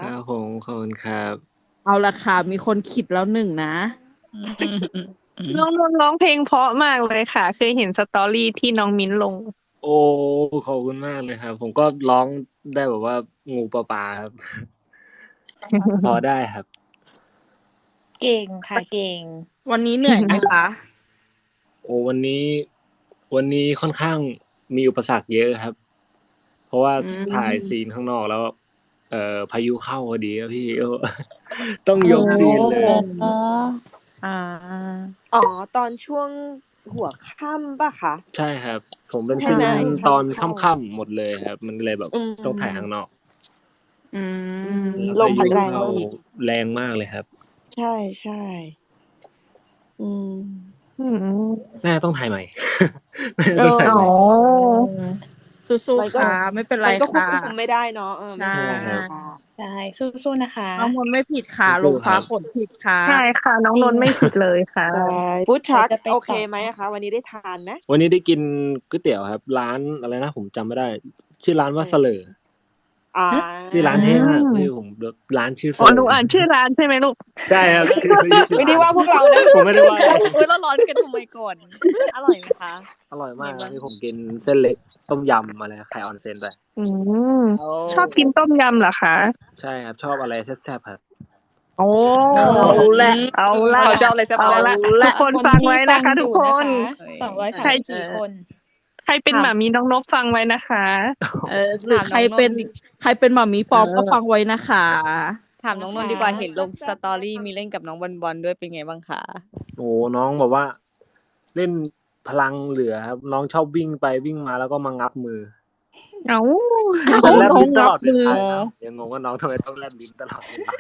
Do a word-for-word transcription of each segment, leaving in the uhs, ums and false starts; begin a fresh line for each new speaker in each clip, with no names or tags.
ครับผมขอบคุณครับ
เอาละค่ะมีคนขิดแล้วหนึ่งนะ
น้องนนท์ร้องเพลงเพราะมากเลยค่ะเคยเห็นสตอรี่ที่น้องมิ้นลง
โอ้ขอบคุณมากเลยครับ ผมก็ร้องได้แบบว่างูปลาปลาครับ พอได้ครับ
เก่งค่ะเก่ง
วันนี้เหนื่อยไหมคะ
โอ้วันนี้ วันนี้ค่อนข้างมีอุปสรรคเยอะครับ เพราะว่า
อืม
ถ่ายซีนข้างนอกแล้ว เอ่อพายุเข้าพอดีครับพี่ ต้องยกซีนเลย
อ๋ออ่า
อ๋อตอนช่วงหัวค่ำป่ะคะ
ใช่ครับ ผมเป็น
ใช่
ซี
ไหม
นตอนค่ำๆหมดเลยครับ มันเลยแบบ
อืม
ต้องถ่ายข้างนอก
อืม
ลมพัดแรง
เข้าม
าก
แรงมากเลยครับ
ใช่ใช่อืม
อืม
น่าจะต้องถ่ายใหม่
เอ
ต้อง
อ
ถ่ายให
อ๋
ม่
อ
สู้
มัน
ๆ
ก็
ค่ะไม่เป็นไร
มันก็ควบ
ค่ะ
คุมไม่ได้เนาะเออ
ใช่
ไม่เป็นไรค่ะ
ใช่สู้ๆนะคะ
น้องมนต์ไม่ผิดค่ะ ล
สู้
ม
ๆค
ฟ้า
รับ
ฝนผิดค่ะ
ใช่ค่ะ น้องนนท์ไม่ผิดเลยค่ะ
ใช่ฟู้ดทรัค
เดี๋ยวจะไป
โอเค
ต่อ
ไหมอะคะ วันนี้ได้ทานไหม
วันนี้ได้กินก๋วยเตี๋ยวครับ ร้านอะไรนะผมจำไม่ได้ ชื่อร้านว่าเสลอ
อ่า
ชื่อร้านเท่มาก
อืม
พี่ผมแบบร้านชื่อเส
อ๋อ
ล
หนู
อ
อ่านชื่อร้านใช่ไหมลูก
ใช่ครับ ชื่อชื่อ
ไม่ได้
ร้น
ว่าพวกเรานะ
ผมไม่ได้ว่าเลย
อุ๊ยเราร้อนกันทำไมก่อน อร่อยไหมคะ
อร่อยมาก
ไงบ้าง
นี่ผมกินเส้นเล็กต้มยำอะไรไข่ออนเซ็นไป
อืม
โอ้
ชอบกินต้มยำเหรอคะ
ใช่ครับ ชอบอะไรแซ่บๆครับ
โอ้
เอาแหละ
เอาละ
เขาชอบอะไรแซ่บๆ
เอาละ
เอาละ
ทุกคนฟังไว้นะคะ ทุกคน
สองร้อย
ใคร
สามสิบสี่คน
ใครเป็น
ถาม
หมามีน้องนกฟังไว้นะคะ
เออหรือ
ถามน้อง
ใครเป็น
นนท์ดิ
ใครเป็นหมามีปลอม
เออ
ก็ฟังไว้นะคะ
ถามน้องนนท์ดีกว่าเห็นลงสตอรี่มีเล่นกับน้องบอลบอลด้วยเป็นไงบ้างคะ
โอ้น้องแบบว่า เล่นพลังเหลือครับ น้องชอบวิ่งไปวิ่งมาแล้วก็มางับมือ
เอ้า
แต่แลบลิ้นตลอดเว
น้องงับมือ
ลาครับยังงงว่าน้องทำไมต้องแลบลิ้นตลอดเวลา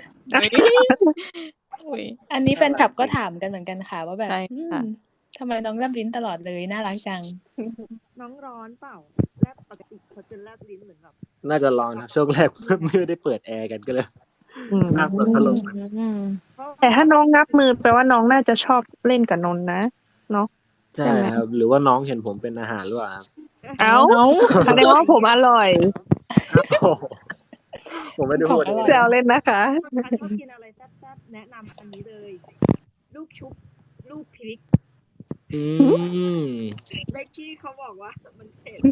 อุ๊ย
อันนี้แฟนคลับก็ถามกันเหมือนกันค่ะ ว่าแบบ
ใช่
อื
ค่ะ
มทำไมน้องแลบลิ้นตลอดเลยน่ารักจัง
น้องร้อนเปล่าแลบปกติเขาจะแลบลิ้นเหมือนแบบ
น่าจะร้อนครับช่วงแรก ไม่ได้เปิดแอร์กันก็เลย
อืม
น่าเปิดพัดลม
อืม
แต่ถ้าน้องงับมือแปลว่าน้องน่าจะชอบเล่นกับนนท์นะเนาะ
ใช่ครับ หรือว่าน้องเห็นผมเป็นอาหารหรือเปล่าครับ
เอ้าแสดงว่าผมอร่อย
โอ้โหผมไม่ได้พูด
ของอร่อย
แซวเล่นนะคะ
ถ้าชอบกินอะไรแซ่บๆแนะนำอันนี้เลย ลูกชุบ ลูกพริก
อืม
เล็กที่เขาบอกว่ามันเผ็ด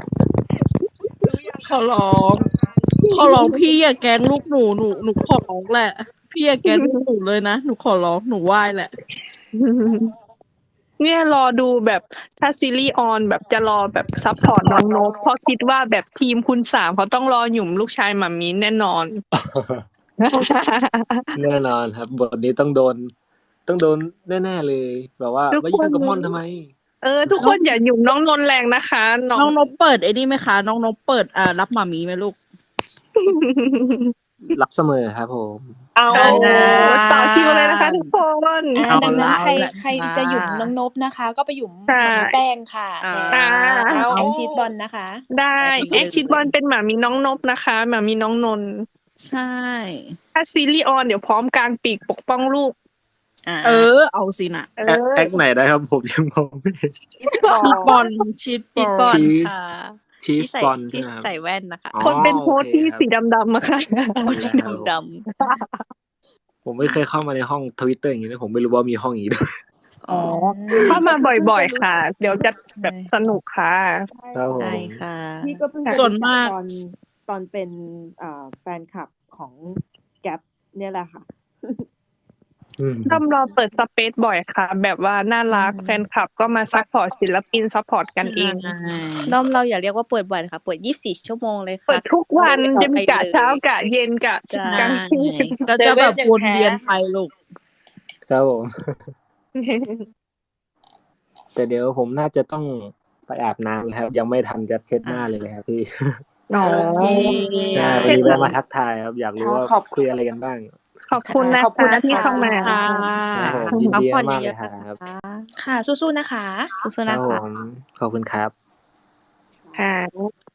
เขาร้อง ขอร้องพี่อย่าแกล้งลูกหนูหนูหนูขอร้องแหละ พี่อย่าแกล้งลูกหนูเลยนะ หนูขอร้องหนูไหว้แหละ
เนี่ยรอดูแบบถ้าซีรีส์ออนแบบจะรอแบบซัพพอร์ตน้องนกเพราะคิดว่าแบบทีมคุณสามเขาต้องรอหยุ่มลูกชายหมามีแน่นอน
แน่นอนครับบทนี้ต้องโดน ต้องโดนแน่ๆเลย แบบว่า
ทุกคน
มายุ่งกับม่อนทำไม
เออ ทุกคนอย่าหยุ่มน้องนนท์แรงนะคะ น้อ
น้อง งนบเปิดไอ้นี่ไหมคะ น้องนบเปิดอ่ารับหมามีไหมลูก
รับเสมอครับผม
เอา
เออต่อคิวเลยนะคะทุกคน
อ่า
เอา
ดังนั้น
ละ
ใคร
เอาละ
ใครจะหยุมน้องนบนะคะ ก็ไปหยุม
ใช่
หมาแป้งค่ะ
อ่า
อ่า
แอคชีสบอลนะคะ
ได้แอคชิดบอลเป็นหมามีน้องนบนะคะหมามีน้องนนท์
ใช่
ถ้าซีรีส์ออนเดี๋ยวพร้อมกลางปีกปกป้องลูก
อ่า
เออ เอาสินะ
เอ
แอค
อ
แอคไหนได้ครับผมยังมองไม่เห็น
ชีสบอลชีสบ
ชี
อ
ส
ล
บอล
ชีส
ค่ะ
ชีส
ที่ใส่
บอล
ที่
ใช่ไหมครับ
ใส่แว่นนะคะ
อ๋อ
คนเป็นโฮสต์ที่
โอเคครับ
สีดำๆอะค่ะ
โอ้สีดำด
ผมไม่เคยเข้ามาในห้องทวิตเตอร์อย่างนี้เลยผมไม่รู้ว่ามีห้องอย่างนี้ด้วย
ำอ๋อ
เข้ามาบ่อยๆค่ะ เดี๋ยวจะแบบสนุกค่ะ
ครับผม
ใช่ค่ะ
พี่ก็เพิ่งจะ
ส่วนมาก
ตอนตอนเป็นอ่าแฟนคลับของแก๊ปเนี่ยแหละค่ะ
อืม
ด้อมรอเปิดสเปซบ่อยค่ะ แบบว่าน่ารัก
อืม
แฟนคลับก็มาซัพพอร์ตศิลปินซัพพอร์ตกันเอง
ใช่
ด้อมเราอย่าเรียกว่าเปิดบ่อยนะคะเปิดยี่สิบสี่ชั่วโมงเลย
เปิ
ค่ะ
ดทุกวัน
เปิ
จะ
ด
มี
ไป
กะ
เลย
เช้ากะเย็นกะ
ใช่
กลางคืน
ก็จะแบบ
เซเว่นยัง
วน
แพ้
เวียนไปลูก
ครับผม แต่เดี๋ยวผมน่าจะต้องไปอาบน้ำแล้วครับ ยังไม่ทันจะเช็ดหน้าเลยเลยครับพี่
อ๋อ
โอเค
ใช่วันนี้แวะมาทักทายครับ อยากรู้ว่า
ขอบ
คุยอะไรกันบ้าง
ขอบคุณนะ
ขอบคุณ
คะ
นะคะ
ที่เข้ามา
ค่ะ
ครับผมยิน
พัก
ดี
ผ่อน
มากๆ
เย
เลย
อะ
ค
ๆ
รับ
นะคะ
ค่ะ สู้ๆนะคะ
สู้ๆ
ครั
นะ
บผ
คะ
มขอบคุณครับ
ค่ะ